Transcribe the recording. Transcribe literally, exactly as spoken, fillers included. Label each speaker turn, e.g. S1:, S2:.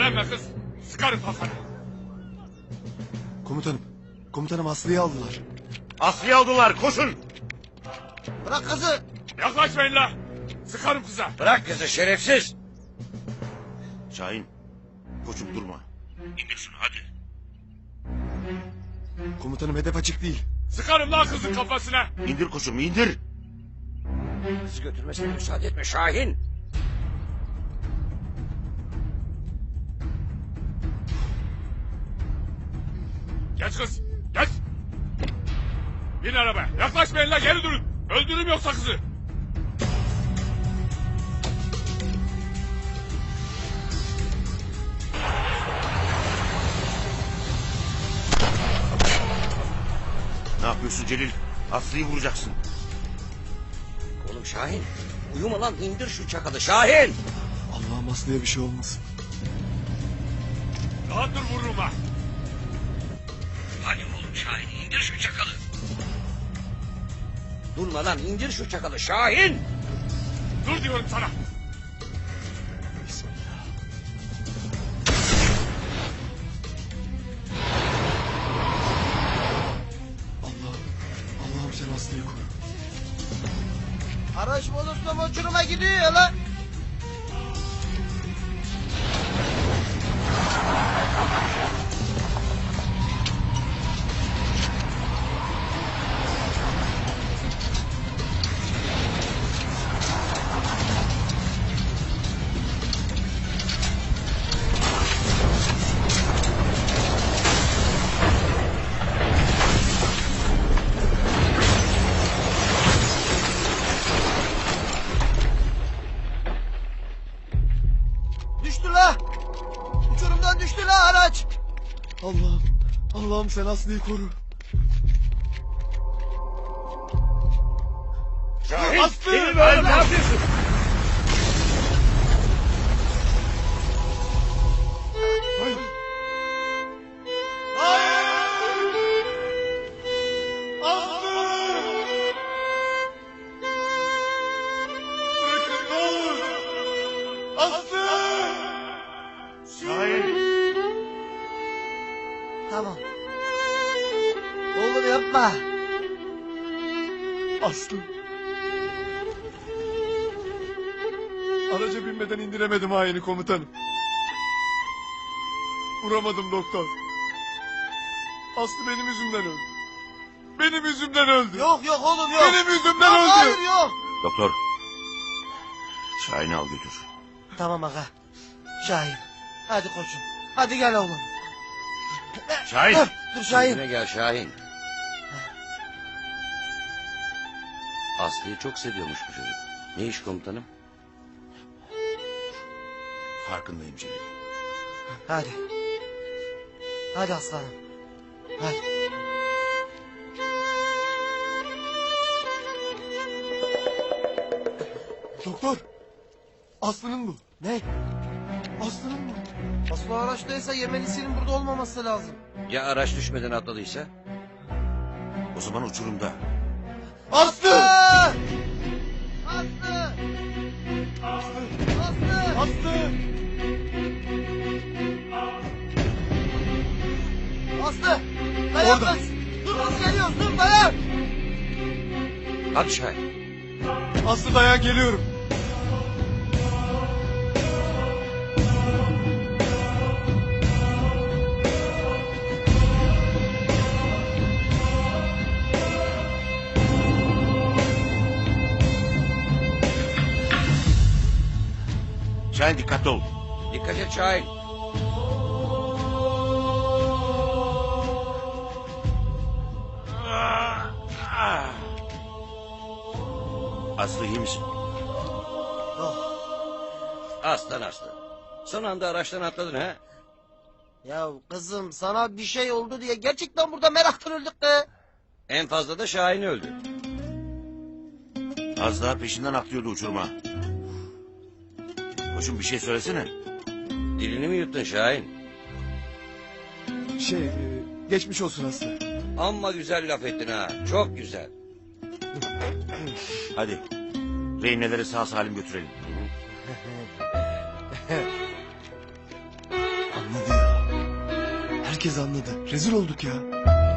S1: Direnme kız. Sıkarım kafanı.
S2: Komutanım. Komutanım Aslı'yı aldılar.
S3: Aslı'yı aldılar, koşun.
S4: Bırak kızı.
S1: Yaklaşmayın la. Sıkarım kıza.
S3: Bırak kızı şerefsiz. Şahin, koçum durma. İndir şunu hadi.
S2: Komutanım hedef açık değil.
S1: Sıkarım la kızın kafasına.
S3: İndir koçum, indir.
S5: Kız götürmesine müsaade etme Şahin.
S1: Geç kız. Geç. Bin arabaya. Yaklaşmayın la, geri durun. Öldürürüm yoksa kızı.
S3: Ne yapıyorsun Celil? Aslı'yı vuracaksın.
S5: Oğlum Şahin. Uyuma lan, indir şu çakalı Şahin.
S2: Allah'ım Aslı'ya bir şey olmasın.
S1: Daha dur, vururum ha.
S5: Hadi oğlum Şahin, indir şu çakalı. Durma lan, indir şu çakalı Şahin.
S1: Dur diyorum sana.
S2: Bismillah. Allah'ım. Allah'ım sen Aslı'yı koru.
S4: Araç bozulsa uçuruma gidiyor ya lan. Düştü la. Uçurumdan düştü la araç.
S2: Allah'ım. Allah'ım sen Aslı'yı koru.
S3: Şahin,
S2: Aslı!
S3: Celil böyle ne yapıyorsun?
S2: Hayır. Hayır. Aslı! Bırakın ne olur. Aslı!
S3: Şahin.
S4: Tamam. Oğlum yapma.
S2: Aslı. Araca binmeden indiremedim haini komutanım. Vuramadım doktor. Aslı benim yüzümden öldü. Benim yüzümden öldü.
S4: Yok yok oğlum yok.
S2: Benim yüzümden
S4: Yok,
S2: öldü.
S4: hayır yok.
S3: Doktor. Şahin'i al götür.
S4: Tamam aga. Şahin. Hadi koçum. Hadi gel oğlum.
S3: Şahin.
S4: Dur, dur Şahin.
S5: Kendine gel Şahin. Aslı'yı çok seviyormuş bu çocuk. Ne iş komutanım?
S3: Farkındayım Celil.
S4: Hadi. Hadi aslanım. Hadi.
S2: Doktor. Aslı'nın bu.
S4: Ne?
S2: Aslı'nın bu.
S4: Aslı araçtaysa Yemelisinin burada olmaması lazım.
S5: Ya araç düşmeden atladıysa?
S3: O zaman uçurumda.
S2: Aslı!
S4: Aslı! Aslı!
S2: Aslı! Aslı!
S4: Aslı! Dayan
S2: Orada.
S4: kız! Dur kız geliyoruz dur dayan!
S5: Hadi Şahin.
S2: Aslı dayan geliyorum.
S3: Şahin dikkatli ol.
S5: Dikkat et Şahin.
S3: Aslı iyi misin?
S4: Yok.
S5: Aslan aslan. Son anda araçtan atladın ha?
S4: Ya kızım sana bir şey oldu diye gerçekten burada meraktan öldük be.
S5: En fazla da Şahin öldü.
S3: Az daha peşinden atlıyordu uçuruma. Koçum bir şey söylesene.
S5: Dilini mi yuttun Şahin?
S2: Şey, e, geçmiş olsun Aslı.
S5: Amma güzel laf ettin ha. Çok güzel.
S3: Hadi. Rehineleri sağ salim götürelim.
S2: Herkes anladı. Rezil olduk ya.